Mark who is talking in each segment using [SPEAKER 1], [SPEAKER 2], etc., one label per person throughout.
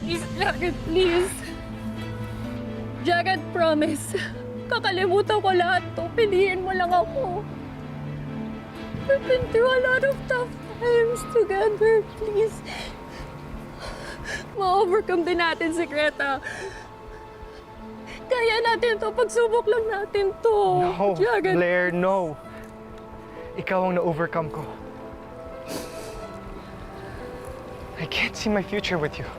[SPEAKER 1] Please, Jared, please. Jared, promise. Kakalimutan ko lahat to. Piliin mo lang ako. We've been through a lot of tough times together. Please. Ma-overcome din natin si Greta. Kaya natin to. Pagsubok lang natin to.
[SPEAKER 2] No,
[SPEAKER 1] Jared.
[SPEAKER 2] Blair, no. Ikaw ang na-overcome ko. I can't see my future with you.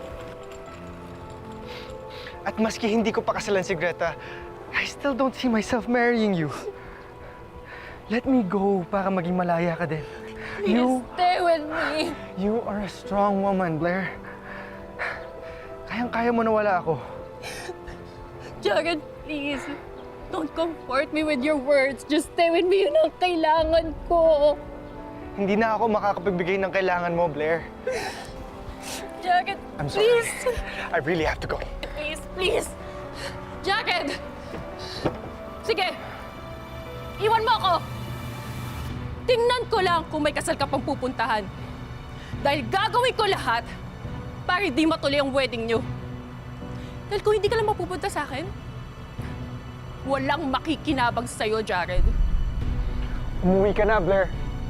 [SPEAKER 2] At maski hindi ko pa kasalan si Greta, I still don't see myself marrying you. Let me go para maging malaya ka din.
[SPEAKER 1] Please, stay with me.
[SPEAKER 2] You are a strong woman, Blair. Kayang-kaya mo na wala ako.
[SPEAKER 1] Jared, please. Don't comfort me with your words. Just stay with me. Yun ang kailangan ko.
[SPEAKER 2] Hindi na ako makakapagbigay ng kailangan mo, Blair.
[SPEAKER 1] Jared,
[SPEAKER 2] I'm sorry.
[SPEAKER 1] please.
[SPEAKER 2] I really have to go.
[SPEAKER 1] Please, please. Jared! Sige. Iwan mo ako. Tingnan ko lang kung may kasal ka pang pupuntahan. Dahil gagawin ko lahat para hindi matuloy ang wedding niyo. Dahil kung hindi ka lang mapupunta sa akin, walang makikinabang sa'yo, Jared.
[SPEAKER 2] Umuwi ka na, Blair.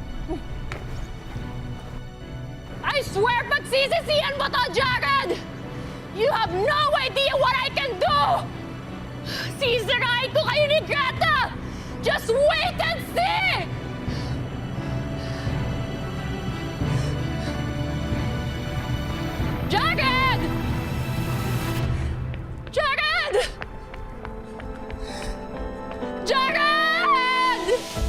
[SPEAKER 1] I swear, pagsisisihan mo to, Jared! You have no idea what I can do! Sisirain ko kayo ni Greta! Just wait and see! Jared! Jared! Jared!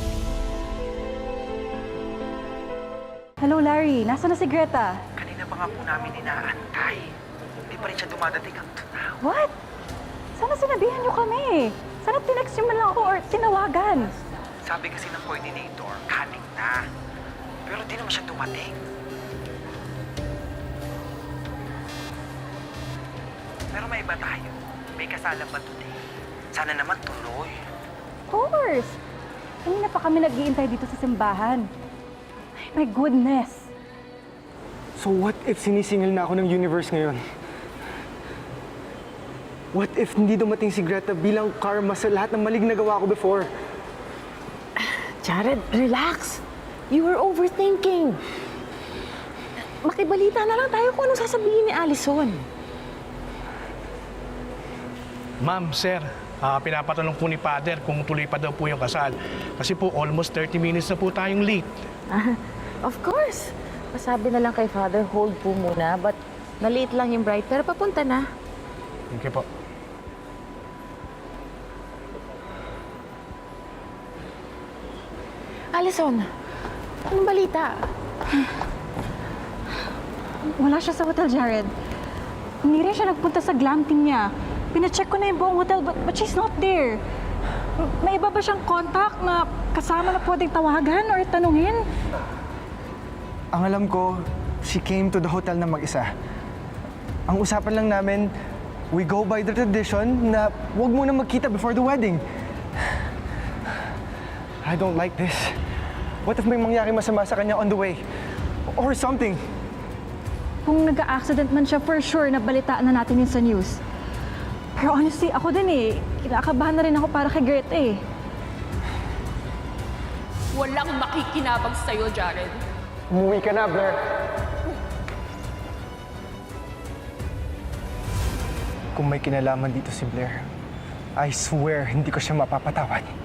[SPEAKER 3] Hello, Larry. Nasaan na si Greta?
[SPEAKER 4] Kanina pa nga po namin inaantay. Hindi pa rin siya dumadating hanggang now.
[SPEAKER 3] What? Sana sinabihan niyo kami. Sana tinext niyo man lang ako or tinawagan.
[SPEAKER 4] Sabi kasi ng coordinator, kaning na. Pero di naman siya dumating. Pero may iba tayo. May kasalang ba today? Sana naman tuloy.
[SPEAKER 3] Of course. Kanina pa kami nag-iintay dito sa simbahan. Ay, my goodness.
[SPEAKER 2] So what if sinisingil na ako ng universe ngayon? What if hindi dumating si Greta bilang karma sa lahat ng maling nagawa ko before?
[SPEAKER 5] Jared, relax. You were overthinking. Makibalita na lang tayo kung anong sasabihin ni Allison.
[SPEAKER 6] Ma'am, sir, pinapatanong po ni Father kung tuloy pa daw po yung kasal. Kasi po almost 30 minutes na po tayong late.
[SPEAKER 5] Of course. Pasabi na lang kay Father, hold po muna. But na-late lang yung bride, pero papunta na.
[SPEAKER 6] Okay po.
[SPEAKER 5] Allison, anong balita?
[SPEAKER 3] Wala siya sa hotel, Jared. Hindi rin siya nagpunta sa glamping niya. Pina-check ko na yung buong hotel, but she's not there. May iba ba siyang contact na kasama na pwedeng tawagan or tanungin?
[SPEAKER 2] Ang alam ko, she came to the hotel na mag-isa. Ang usapan lang namin, we go by the tradition na huwag muna magkita before the wedding. I don't like this. What if may mangyari masama sa kanya on the way? Or something?
[SPEAKER 3] Kung nag-accident man siya, for sure, nabalitaan na natin yun sa news. Pero honestly, ako din eh. Kinakabahan na rin ako para kay Greta eh.
[SPEAKER 1] Walang makikinabang sa'yo, Jared.
[SPEAKER 2] Umuwi ka na, Blair. Kung may kinalaman dito si Blair, I swear hindi ko siya mapapatawad.